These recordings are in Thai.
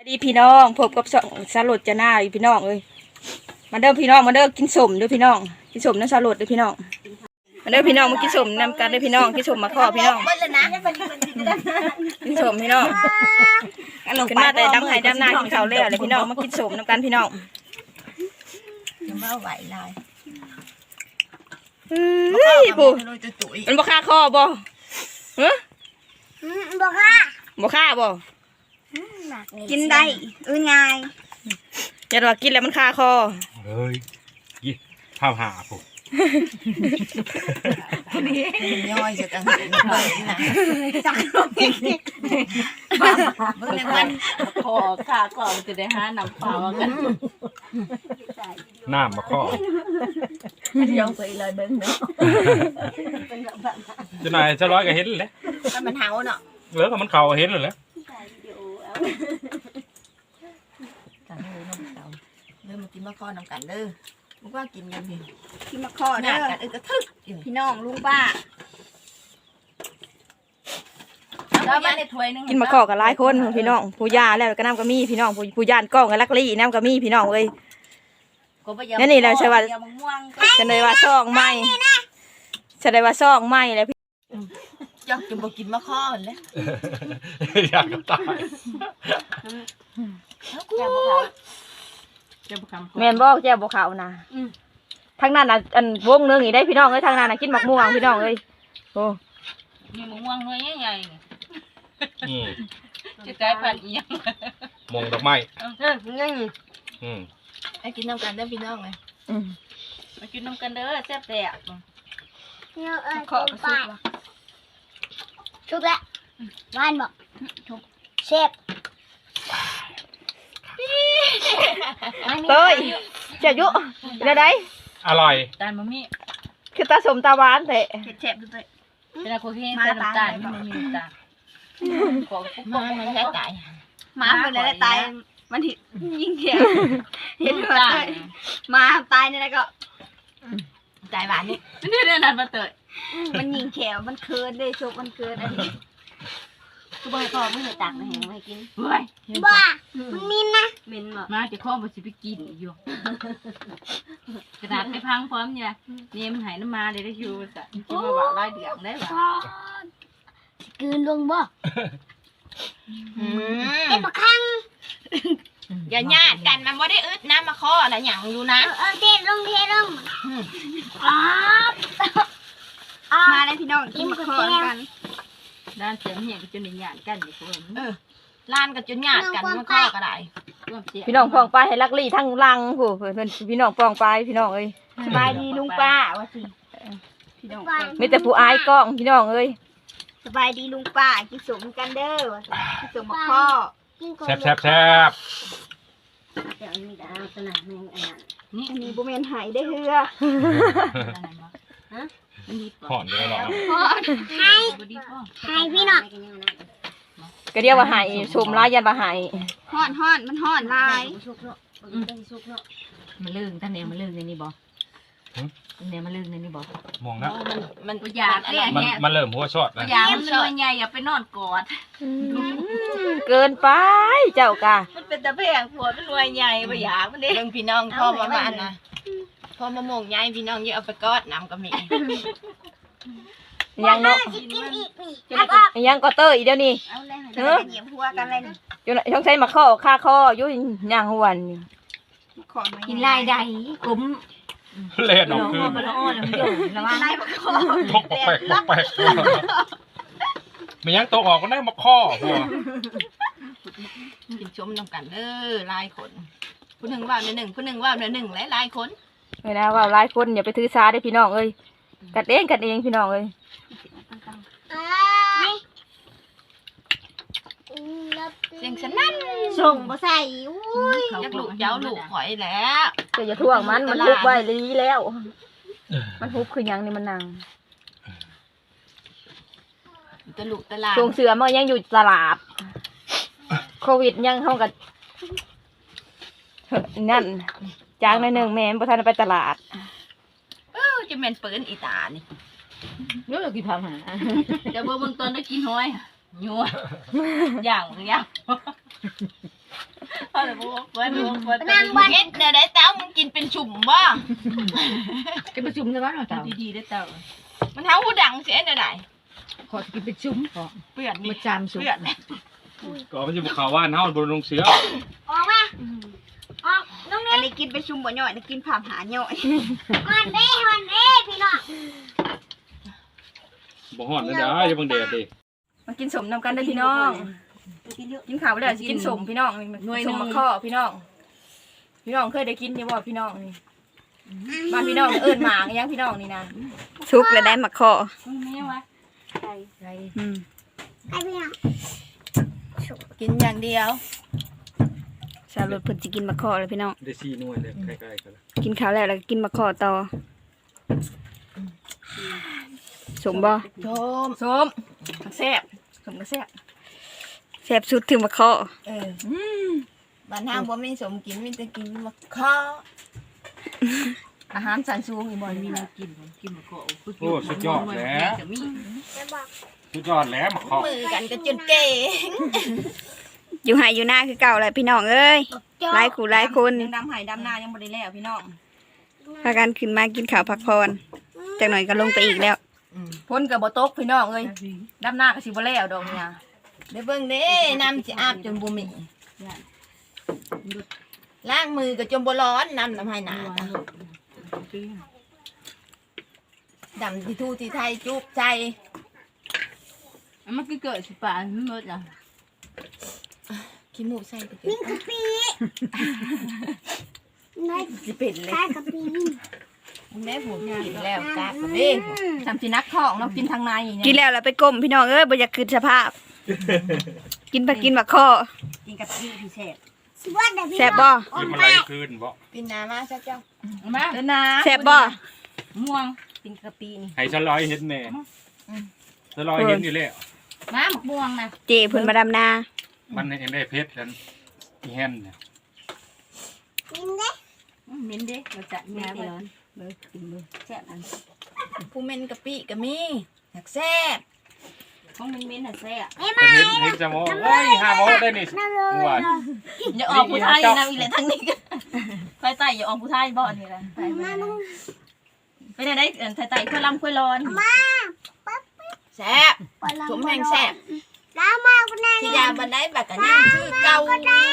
ดีพี่น้องพบกับสลดจะหน้าอีพี่น้องเอ้ยมาเด้อพี่น้องมาเด้อกินสมด้วยพี่น้องกินสมน้ำสลดด้วยพี่น้องมาเด้อพี่น้องมากินสมนำกันด้วยพี่น้องกินสมมาข้อพี่น้องกินสมพี่น้องขึ้นมาแต่ดำไห้ดำหน้ากินข้าวแล้วเลยพี่น้องมากินสมนำกันพี่น้องมาไหวลายเฮ้ยปู่มันบ่ฆ่าคอบ่ฮะบ่ค่ะบ่ฆ่าบ่กินได้ง่ายอย่าว่ากินแล้วมันฆ่าคอเฮ้ยยี่ภาพหาผมย่อยจะตั้งใจนะจักรนี่มันคอขาก่อนจะได้หาน้ำเปล่ากันน้ำมาข้ย่องไปเลยเบิ้งเนาะจะนายจะร้อยก็เห็นเลยมันเห่าเนาะเหลือกับมันเข่าเห็นเลยเริ่มมากินมะข้อน้ำกันเด้อมึงว่ากินกันพี่กินมะข้อเด้อกระทึกพี่น้องลุงป้าแล้วมันได้ถ้วยนึงกินมะข้อกับหลายคนพี่น้องผู้ย่าแล้วก็น้ำก็มีพี่น้องผู้ย่านกล้องกับลักลี่น้ำก็มีพี่น้องเอ้ยนั่นนี่แหละใช่ว่าจะเลยว่าซองใหม่จะเลยว่าซองใหม่แล้วพี่อยากจะมากินมะข้อเลยอยากตายแม่นบอกแจ้วบกเขานะทางนั้นน่ะอันวงนึงอีได้พี่น้องเอ้ยทางนั้นน่ะกินหมักม่วงพี่น้องเอ้ยโอ้มีมะม่วงน้อยใหญ่จะกลายพันธุ์อีหยังมองดอกไม้ไอ้กินน้ำกันเด้อพี่น้องเลยมากินน้ำกันเด้อแซ่บแต่ขอกระสุนชุบละบ้านบอกเชฟเต้ยเจ้ายุเดี๋ยวได้อร่อยตาลมะมี่คือตาสมตาหวานแต่เชฟดูเต้ยเป็นอะไรคนที่ใส่น้ำตาลมันมีน้ำตาลของมันแค่ตายมาเป็นอะไรตายมันยิ่งแข็งเห็นว่ามาตายนี่แล้วก็ตายหวานนี่นี่เรื่องนั้นมาเตยมันยิงแขวมันเคินได้ชุบมันเคินอันนี้ทุกใบพอไม่เคยตักนะเห็นไม่กินบ้ามันมินนะมินมาจะข้อมาสิไปกินอยู่กระดาษไม่พังพร้อมเนี่ยนี่มันหายน้ำมาเลยได้อยู่จ้ะกินมาว่าไล่เดือดได้หรอกืนลงบ่เป็นมะขังอย่าญาติกันมันไม่ได้อึดน้ำมาข้ออะไรอย่างอยู่นะเทลงมาเลยพี่น้องกินมะขอกันด้านเสียงเหี่ยจนหยาดกันอยู่คนล้านกับจนญาติกันมาข้อก็ได้พี่น้องปองไปให้ลักลี่ทั้งลังผู้เพื่อนพี่น้องปองไปพี่น้องเอ้ยสบายดีลุงป้าว่าสิพี่น้องไม่แต่ผู้อายกล้องพี่น้องเอ้ยสบายดีลุงป้ากินสมกันเด้อกินสมมะข้อแซ่บแซ่บแซ่บเดี๋ยวมีดาวสนามแมงนี่อันนี้บุเมนหายได้เฮือผ่อนเลยหรอให้พี่น้องก็เรียกว่าหายชมร้ายยันว่าหายห่อนมันห่อนลายมันลื่นท่านเนี่ยมันลื่นในนี่บ่เนี่ยมันลื่นในนี่บ่มองนะมันอยากมันเริ่มหัวชอดอยากมันเลยใหญ่อย่าไปนอนกอดเกินไปเจ้ากะมันเป็นตะแพงผัวเป็นรวยใหญ่ไปอยากมันเด้เรื่องพี่น้องพ่อมาบ้านนะพ่อมาโมงใหญ่พี่น้องเยอะเอาไปกอดน้ำก็มียังเนาะยังก็เตอร์อีเดียวนี่เหยียบหัวกันเลยอยู่ช่องใช้มาข้อค่าข้อยุ่ยย่างหวนกินลายใดกุ้มเล่นออกคือมันอ้อนแล้วมันโยนแล้วว่าตกแปลกไม่ยังตกออกก็ได้มาข้อหัวกินชมน้ำกันลายคนผู้หนึ่งว่าหนึ่งผู้หนึ่งว่าหนึ่งหลายคนไม่นะว่าหลายคนอย่าไปถือซาได้พี่น้องเอ้ยกัดเองพี่น้องเอ้ยเสียงสนั่นส่งมาใส่ยักลูกเจ้าลูกหอยแล้วจะท่วงมันฮุบไว้ลีแล้วมันฮุบคือยังนี่มันนางตะลุกตะลาช่วงเสือมันยังอยู่ตลาดโควิดยังเข้ากับนั่นจางในหนึ่งแม่ประธานไปตลาดจะเป็นปืนอีตานี่เยอะกี่พันหาจะเบิ่งตอนได้กินห้อยยัวอย่างเอาเลยบอกว่าดูว่าเอ็ดเดี๋ยวได้เต้ามึงกินเป็นชุ่มบ่กินเป็นชุ่มใช่ไหมเต้าดีๆได้เต้ามันเท้าหูดังเสียได้ขอกินเป็นชุ่มขอเปื่อนมาจามชุ่มก็มันจะบุกเขาว่านเฮาบนลงเสือออกมาออกน้องอันี่นนี้กินไปชุมบ่ย่อยนี่กินผ่ามหาย่อยมันเด้พี่น้องบ่ฮ้อนนะเด้ออย่าเบิ่งแดดดิมากินสมนำกันได้อพี่น้องกินข้าวแล้วสิกินสมพี่น้องสมมะข้อพี่น้องพี่น้องเคยได้กินนี่บ่พี่น้องนี่บ้านพี่น้องเอิ้นหมากยังพี่น้องนี่นะทุกแล้วได้มะข้อไม่วะไอ้พี่น้องกินอย่างเดียวสาวรถเพิ่นสิกินมะข้อแล้วพี่น้องได้4หน่วยเลยใกล้ๆกันกินข้าวแล้วก็กินมะข้อต่อสมบ่สมแซ่บสมก็แซ่บแซ่บสุดถึงมะข้อบ้านเฮาบ่มีสมกินมีแต่กินมะข้ออาหารสันสูงอีบ่มีมีน้ำกินกินมะกอกโอ้สุดยอดแล้วจะมีจะบอกสุดยอดแล้วมาเคาะมือกันก็จนเก่งอยู่ไห้อยู่หน้าคือเก่าแหละพี่น้องเอ้ยหลายคู่หลายคนยังดำไห้ดำหน้ายังบ่ได้แล้วพี่น้องพากันขึ้นมากินข้าวพักผ่อนจากหน่อยก็ลงไปอีกแล้วพ้นกับบ่ตกพี่น้องเอ้ยดำหน้าก็สิบ่แล้วดอกเนี่ยเดี๋ยวเบิ่งเด้น้ำสิอาบจนบ่มีล้างมือก็จนบ่ร้อนน้ำให้หนาดำที่ทูที่ไทยจุบใจมันก็เกิดสิป่าไม่หมดอ่ะขี้มูกใส่ไปนี่กะปินายสิเป็นเลยใส่กะปิแม่ผมกินแล้วจ้าเด้ทำสินักท้องเนาะกินทางในกินแล้วแล้วไปก้มพี่น้องเอ้ยบ่อยากคืนสภาพ กินไปกินบักข้อกินกับพี่พิเศษสวัสดีพี่แซ่บบ่ขึ้นมาไหลคืนบ่กินน้ำมาซะเจ้ามาเด้อนะแซ่บบ่ม่วงกินกะปินี่ให้สลอยเห็นแน่สลอยเห็นอยู่แล้วมาหมกม่วงนะเจเพิ่นมาดำนามันเห็นได้เพชรกันอีแฮนเนี่ยกินเด้มิ้นเด็กเราจะแง่ไปร้อนเบิกกินเลยแซ่บอันผู้เม่นกะปิก็มีอยากแซ่บของมิ้นน่ะแซ่บไอ้เป็นมาเห็นจะโมเฮ้ย5โมได้นี่นั่นเลยว่าอย่าออกผู้ไทยนะอีแหละทางนี้ก็ไฟไต่อย่าออกผู้ไทยบ่นี่แหละมามึงไปได้ไทยไต่ค่อยลำค่อยร้อนมาปั๊บแซ่บสมแห่งแซ่บล้ามาคนนั้นที่ยาบันไดบักกันยังคือเก่า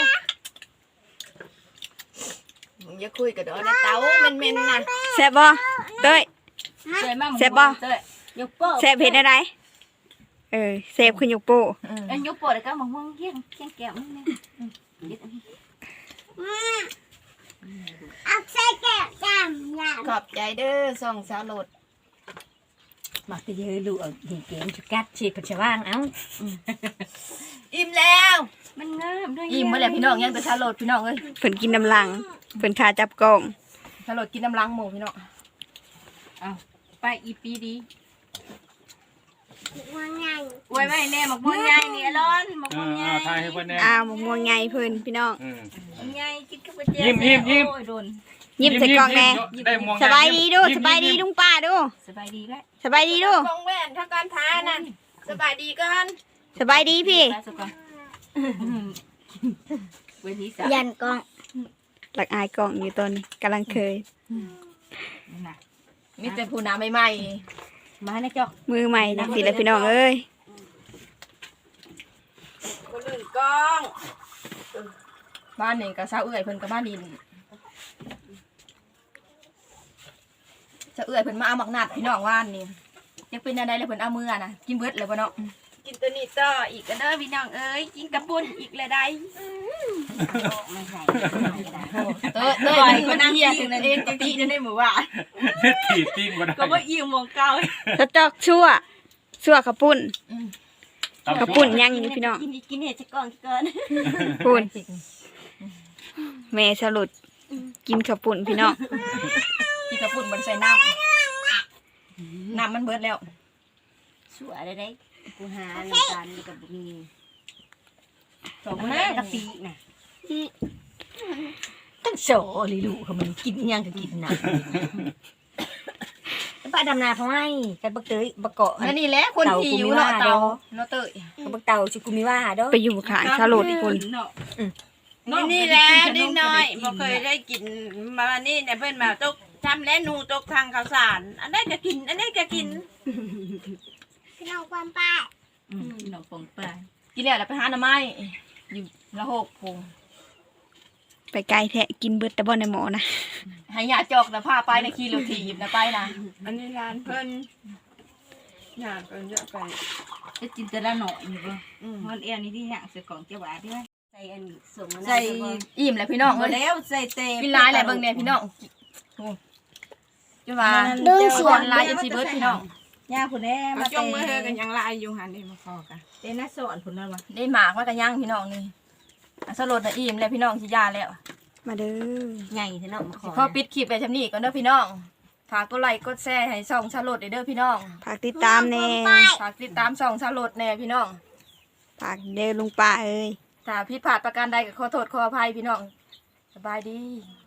อย่าคุยกับดอกนะเต้าเม่นๆนะแซ่บบ่เต้ยแซ่บมากแซ่บบ่ยกโป้แซ่บเผ็ดอะไรแซ่บขึ้นยกโป้อันยกโป้แล้วก็มะม่วงเกี้ยงแก้วนี่เอาใส่แก้วจามยามขอบใจเด้อส่องสาวโหลดมาไปเยอะดูเอาดีเก่งชุกัดฉีดปัจจุบันเอ้าอิ่มแล้วมันงามด้วยอิ่มมาแล้วพี่น้องยังแต่สาวโหลดพี่น้องเอ้ยเพิ่นกินน้ำลังเพิ่นคาจับกล้องสาวโหลดกินน้ำลังหมูพี่น้องเอาไปอีปีดีว่าไงอวยไว้แน่หมกม่วงใหญ่นี่ร้อนหมกม่วงใหญ่ทายให้เพิ่นแน่หมูม่วงไงเพิ่นพี่น้องใหญ่กินกับเจี๊ยบโอ้ยโดนยิ้มใส่กล้องแน่ได้มองสบายดีดูสบายดีลุงป้าดูสบายดีแล้วสบายดีดูกองแว่นถ้าการทานั่นสบายดีก่อนสบายดีพี่ไปสุกก่อนเว้นนี้สายันกล้องหลักอายกล้องอยู่ตอนกำลังเคยน่ะมีแต่ผู้น้ำใหม่มาในจอกมือใหม่นะสิแล้วพี่น้องเอ้ยคนอื่นกล้องบ้านนี่ก็เศร้าเอื้อยเพิ่นกับบ้านดินจะเอื้อยเพิ่นมาเอาหมักนัดพี่น้องว่านนี่ยังเป็นอะไรเลยเพิ่นเอามือน่ะกินเบิดเลยบ่เนาะกินตัวนี้ต่ออีกก็เด้อพี่น้องเอ้ยกินกระปุ้นอีกเลยได้ไม่ใส่เต้ยมันนั่งเฮียถึงนั่นเองจังตีนั่นได้หมู่ว่าถีบติ้งบ่ได้ก็ว่าอิ่มหมองเก่าสะจอกชั่วข้าวปุ้นข้าวปุ้นยังอยู่พี่น้องกินเห็ดจะก่อนเกินปุ้นแม่สลุดกินข้าวปุ้นพี่น้องกินข้าวปุ้นมันใส่น้ำมันเบิดแล้วสวยเลยได้กูหาในการกับมีสองแม่กะปิน่ะตั้งโสลิลูเขามันกินยังก็กินนะป้าดำนาเขาให้กันบักเตยบักเกาะนั่นนี่แหละคนที่อยู่เนาะเตาเนาะเต้ยบักเตาชิกุมิว่าเด้อไปอยู่ขางสลุดอีกคนนี่แหละดิ้งน้อยบ่เคยได้กินมานี่เนี่ยเพิ่นมาตกทำและนูตกทางข้าวสารอันนี้ก็กินอันนี้ก็กินพี่น้องความป้าพี่น้องปองปลากินแล้วไปหาหน่อไม้อยู่ละหกพงไปไกลแท้กินเบิดแต่บ่ในหมอนะให้ยาจอกนะพาไปนะขี่รถถีบนะไปนะอันนี้ร้านเพิ่นอยากเพิ่นจะไปจะจินตนาหน่อยอยู่บ่มันเอียนี่ที่อย่างเสือกล่องเจ้าบ่าที่ว่าใส่อันส่งมาใส่อิ่มแหละพี่น้องมาเอ้ยแล้วใส่เต็มกินหลายแหละเบิ่งเนี่ยพี่น้องโอ้จะมาลายเอฟซีเบิร์ดพี่น้องย่าพุ่นแน่มามาจงมือเฮอกันยังลายอยู่หันนี่มาพอกันเต้นน่าสอนพุ่นแล้ววะได้หมากมากันย่างพี่น้องนี่อ่ะสลดนะอิ่มแล้วพี่น้องสิยาแล้วมาเด้อใหญ่เถอะเนาะมาขอขอปิดคลิปไปชำนี้ก่อนเด้อพี่น้องฝากกดไลค์กดแชร์ให้ส่องสลดเด้อพี่น้องฝากติดตามแน่ฝากติดตามส่องสลดแน่พี่น้องฝากเด้อลุงป้าเอ้ยถ้าผิดพลาดประการใดก็ขอโทษขออภัยพี่น้องสบายดี